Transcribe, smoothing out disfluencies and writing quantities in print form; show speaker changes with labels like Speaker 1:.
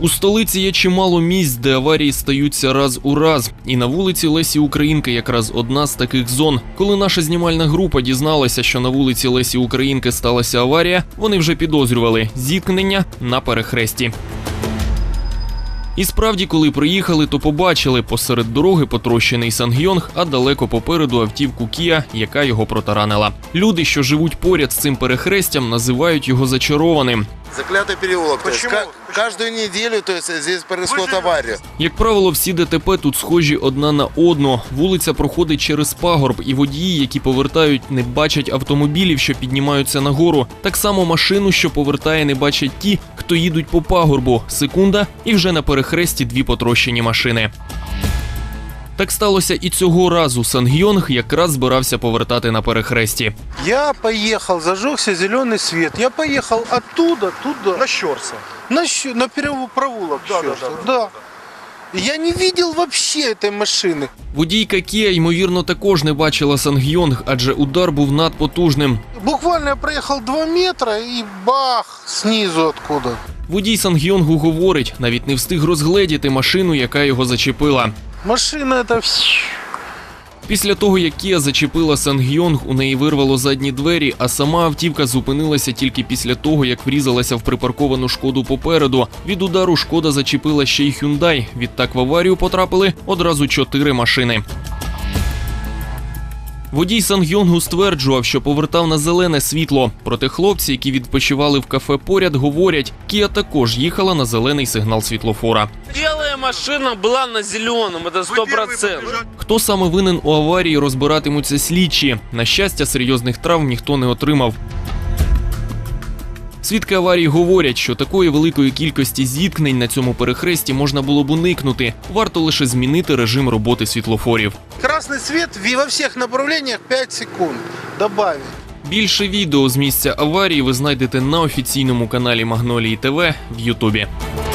Speaker 1: У столиці є чимало місць, де аварії стаються раз у раз. І на вулиці Лесі Українки якраз одна з таких зон. Коли наша знімальна група дізналася, що на вулиці Лесі Українки сталася аварія, вони вже підозрювали – зіткнення на перехресті. І справді, коли приїхали, то побачили – посеред дороги потрощений Сангйонг, а далеко попереду автівку Kia, яка його протаранила. Люди, що живуть поряд з цим перехрестям, називають його зачарованим.
Speaker 2: Заклятый переулок. Каждую неделю здесь происходит авария.
Speaker 1: Як правило, всі ДТП тут схожі одна на одну. Вулиця проходить через пагорб, і водії, які повертають, не бачать автомобілів, що піднімаються нагору. Так само машину, що повертає, не бачать ті, хто їдуть по пагорбу. Секунда, і вже на перехресті дві потрощені машини. Так сталося і цього разу. Сангйонг якраз збирався повертати на перехресті.
Speaker 3: Я поехал, зажегся зеленый свет. Я поехал оттуда, туда.
Speaker 4: На Щорса.
Speaker 3: На провулок Щорса. Да. Я не видел вообще этой машины.
Speaker 1: Водійка Kia, ймовірно, також не бачила Сангйонг, адже удар був надпотужним.
Speaker 3: Буквально я проехал 2 метра и бах, снизу откуда.
Speaker 1: Водій Сангйонгу говорить, навіть не встиг розгледіти машину, яка його зачепила.
Speaker 3: Машина это...
Speaker 1: Після того, як Kia зачепила Сангйонг, у неї вирвало задні двері, а сама автівка зупинилася тільки після того, як врізалася в припарковану Шкоду попереду. Від удару Шкода зачепила ще й Hyundai. Відтак в аварію потрапили одразу 4 машини. Водій Сангйонгу стверджував, що повертав на зелене світло. Проте хлопці, які відпочивали в кафе поряд, говорять, Kia також їхала на зелений сигнал світлофора.
Speaker 5: Белая машина була на зеленому, це 100%.
Speaker 1: Хто саме винен у аварії, розбиратимуться слідчі. На щастя, серйозних травм ніхто не отримав. Свідки аварії говорять, що такої великої кількості зіткнень на цьому перехресті можна було б уникнути. Варто лише змінити режим роботи світлофорів.
Speaker 3: Красный свет во всех направлениях 5 секунд. Добавить.
Speaker 1: Більше відео з місця аварії ви знайдете на офіційному каналі Магнолії ТВ в Ютубі.